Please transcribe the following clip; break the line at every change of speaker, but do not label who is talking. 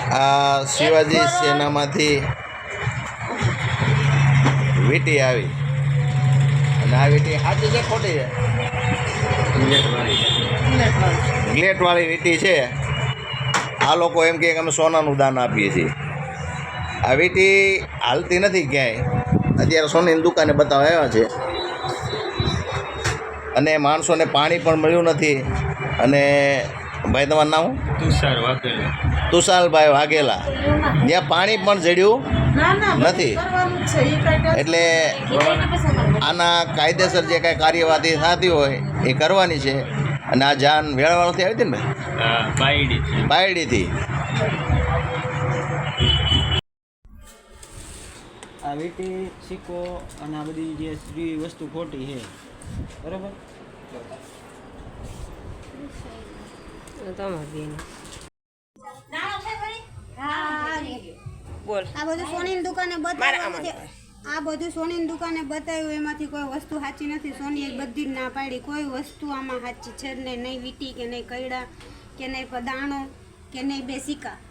આ શિવાજી સેનામાંથી વીંટી આવી અને આ વીંટી સાચી છે ખોટી છે? ગ્લેટવાળી વીંટી છે. આ લોકો એમ કહે કે અમે સોનાનું દાન આપીએ છીએ. આ વીંટી હાલતી નથી ક્યાંય, અત્યારે સોનાની દુકાને બતાવવા આવ્યા છે અને માણસોને પાણી પણ મળ્યું નથી. અને ભાઈ તમારું નામ? તુષારભાઈ વાઘેલા. ત્યાં પાણી પણ જડ્યું નથી. એટલે આના કાયદેસર જે કાંઈ કાર્યવાહી થતી હોય એ કરવાની છે. અને આ જાન વેળાવાળાથી આવી હતી ને બાયડીથી.
આ વીંટી સિક્કો અને આ બધી જે વસ્તુ ખોટી છે, બરાબર?
આ બધું સોનીની દુકાને બતાવ્યું છે. આ બધું સોનીની દુકાને બતાવ્યું, એમાંથી કોઈ વસ્તુ સાચી નથી. સોની એક બધી જ ના પાડી, કોઈ વસ્તુ આમાં સાચી છે જ નહીં. નહીં વીંટી કે નહીં કૈડા કે નહીં દાણો કે નહીં બે સિક્કા.